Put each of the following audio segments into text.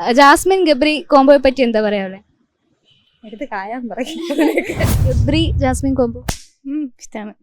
Jasmine Gabri കോംബോയെ പറ്റി എന്താ പറയാ? എടുത്ത് കായാൻ പറയും. ഗബ്രി ജാസ്മിൻ കോംബോ ഇഷ്ടമാണ്.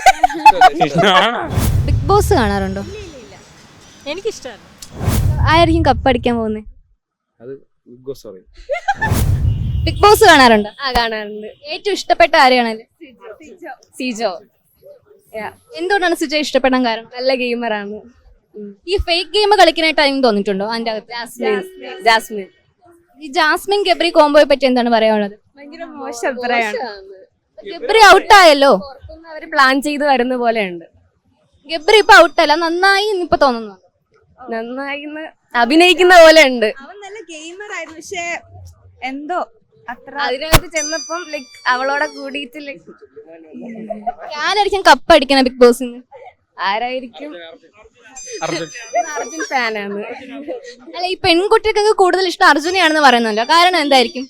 ബിഗ് ബോസ് കാണാറുണ്ടോ? എനിക്കിഷ്ടമാണ്. ആരായിരിക്കും കപ്പടിക്കാൻ പോകുന്നത്? അത് ബിഗ് ബോസ് പറയും. ബിഗ് ബോസ് കാണാറുണ്ടോ? കാണാറുണ്ട്. ഏറ്റവും ഇഷ്ടപ്പെട്ട ആരെയാണല്ലേ? സിജോ എന്തുകൊണ്ടാണ് സിജോ ഇഷ്ടപ്പെടാൻ കാരണം? നല്ല ഗെയിമറാണ്. ഈ ഫേക്ക് ഗെയിം കളിക്കാനായിട്ട് ആരെങ്കിലും തോന്നിയിട്ടുണ്ടോ അതിന്റെ അകത്ത്? ജാസ്മിൻ ഈ ജാസ്മിൻ ഗബ്രി കോംബോയെ പറ്റി എന്താണ് പറയാനുള്ളത്? ഭയങ്കര മോശം അഭിപ്രായമാണ്. ഗബ്രി ഔട്ടായല്ലോ. പുറത്തുനിന്ന് അവര് പ്ലാൻ ചെയ്ത് വരുന്ന പോലെയുണ്ട്. ഗബ്രി ഇപ്പൊ ഔട്ടല്ല, നന്നായി ഇപ്പൊ തോന്നുന്നു. നന്നായി അഭിനയിക്കുന്ന പോലെ ഉണ്ട്. അവൻ നല്ല ഗെയിമർ ആയിരുന്നു, പക്ഷെ എന്തോ അത്ര അതിനകത്ത് ചെന്നപ്പം ലൈക് അവളോടെ കൂടിയിട്ട് ലൈക് ആരായിരിക്കും കപ്പടിക്കണ ബിഗ് ബോസിന്? ആരായിരിക്കും? അർജുൻ ഫാനാണ്. അല്ല, ഈ പെൺകുട്ടികൾക്ക് കൂടുതൽ ഇഷ്ടം അർജുനെയാണെന്ന് പറയുന്നല്ലോ, കാരണം എന്തായിരിക്കും?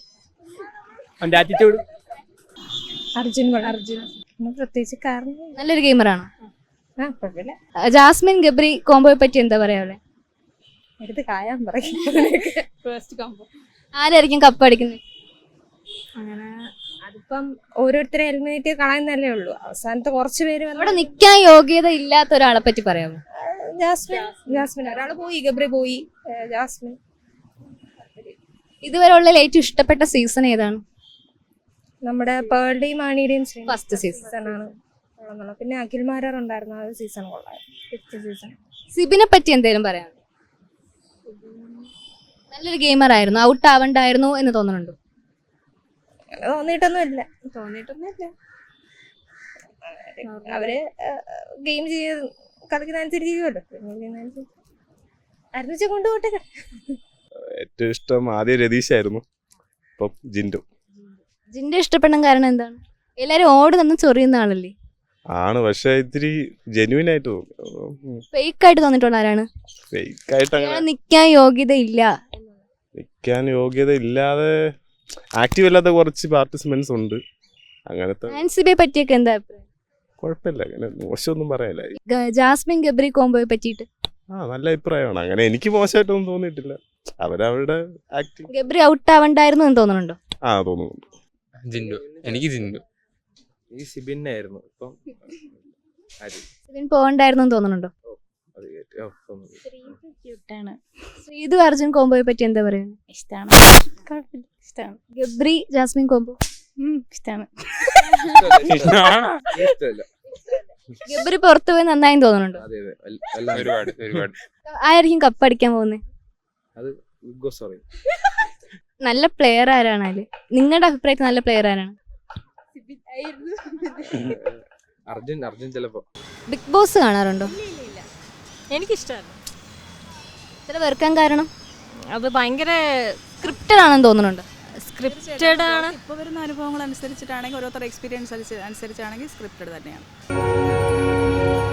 അർജുൻ പ്രത്യേകിച്ച് കാരണം നല്ലൊരു ഗെയിമറാണ്. കുഴപ്പമില്ല. ജാസ്മിൻ ഗബ്രി കോംബോയെ പറ്റി എന്താ പറയാ? എടുത്ത് കായാൻ പറയും. ആരായിരിക്കും കപ്പടിക്കുന്നത്? അങ്ങനെ അതിപ്പം ഓരോരുത്തരെ എലിമിനേറ്റ് കളയുന്നല്ലേ ഉള്ളൂ. അവസാനത്തെ കുറച്ച് പേര് അവിടെ നിൽക്കാൻ യോഗ്യത ഇല്ലാത്ത ഒരാളെ പറ്റി പറയാമോ? ജാസ്മിൻ ഒരാള് പോയി, ഗബ്രി പോയി. ജാസ്മിൻ ഇതുവരെ ഉള്ള ഏറ്റവും ഇഷ്ടപ്പെട്ട സീസൺ ഏതാണ്? നമ്മുടെ പേളുടെയും മാണിയുടെയും ഫസ്റ്റ് സീസൺ സീസണാണ്. പിന്നെ അഖിൽമാരാർ ഉണ്ടായിരുന്നു, ആ സീസൺ കൊള്ളായിരുന്നു. 5th season. സിബിനെ പറ്റി എന്തെങ്കിലും പറയാം? നല്ലൊരു ഗെയിമർ ആയിരുന്നു, ഔട്ട് ആവണ്ടായിരുന്നു എന്ന് തോന്നുന്നുണ്ടോ? അങ്ങനെ തോന്നിയിട്ടൊന്നുമില്ല. അവര് ഗെയിം ചെയ്ത് കളിക്കുന്ന അനുസരിച്ച് ചെയ്യുമല്ലോ. അരുണിച്ച കൊണ്ടുപോട്ടെ. ഏറ്റവും ഇഷ്ടം ആദ്യം രതീഷായിരുന്നു, ഇപ്പം ജിൻഡു ജിന്റെ ഇഷ്ടപ്പെടാൻ കാരണം എന്താണ്? എല്ലാരും ഓടി നിന്ന് ചൊറിയുന്ന ആളല്ലേ ആണ്, പക്ഷെ ഇത്തിരി ജെന്യൂൻ ആയിട്ട് തോന്നി. ഫേക്ക് ആയിട്ട് തോന്നിട്ടുള്ള ആരാണ്? ഫേക്ക് ആയിട്ട് അങ്ങനെ നിക്കാൻ യോഗ്യത ഇല്ല, നിൽക്കാൻ യോഗ്യത ഇല്ലാതെ ആക്റ്റീവ് അല്ലാത്ത കുറച്ച് പാർട്ടിസിപ്പൻസ് ഉണ്ട്. അങ്ങനത്തെ ആൻസിബയെ പറ്റിയൊക്കെ എന്താ അഭിപ്രായം? കുഴപ്പമില്ല, അങ്ങനെ മോശമൊന്നും പറയാനില്ല. ജാസ്മിൻ ഗബ്രി കോംബോയെ പറ്റിയിട്ട് നല്ല അഭിപ്രായമാണ്. അങ്ങനെ എനിക്ക് മോശമായിട്ടൊന്നും തോന്നിയിട്ടില്ല. അവരവരുടെ ആക്ടിങ്. ഗബ്രി ഔട്ട് ആവണ്ടായിരുന്നു എന്ന് തോന്നുന്നുണ്ടോ? തോന്നുന്നുണ്ട്. ജിൻഡു, എനിക്ക് ജിൻഡു. ഈ സിബിനായിരുന്നു, ഇപ്പം സിബിൻ പോകണ്ടായിരുന്നു എന്ന് തോന്നുന്നുണ്ടോ? ശ്രീതു അർജുൻ കോംബോയെ പറ്റി എന്താ പറയുന്നത്? ഇഷ്ടമാണ്. ഗബ്രി ജാസ്മിൻ കോംബോ ഇഷ്ടമാണ്. ഗബ്രി പുറത്തു പോയി നന്നായി തോന്നുന്നുണ്ടോ? ഒരുപാട് ആരായിരിക്കും കപ്പടിക്കാൻ പോകുന്നത്? അത് ബിഗ് ബോസ് പറയും. നല്ല പ്ലെയർ ആരാണ് അതില്? നിങ്ങളുടെ അഭിപ്രായത്തിൽ നല്ല പ്ലെയർ ആരാണ്? അർജുൻ ചിലപ്പോ. ബിഗ് ബോസ് കാണാറുണ്ടോ? എനിക്കിഷ്ടമാണ്. ഇത്ര വെറുക്കാൻ കാരണം? അത് ഭയങ്കര സ്ക്രിപ്റ്റഡ് ആണെന്ന് തോന്നുന്നുണ്ട്. സ്ക്രിപ്റ്റഡ് ആണ്. ഇപ്പോൾ വരുന്ന അനുഭവങ്ങൾ അനുസരിച്ചിട്ടാണെങ്കിൽ ഓരോരുത്തരുടെ എക്സ്പീരിയൻസ് അനുസരിച്ചാണെങ്കിൽ സ്ക്രിപ്റ്റഡ് തന്നെയാണ്.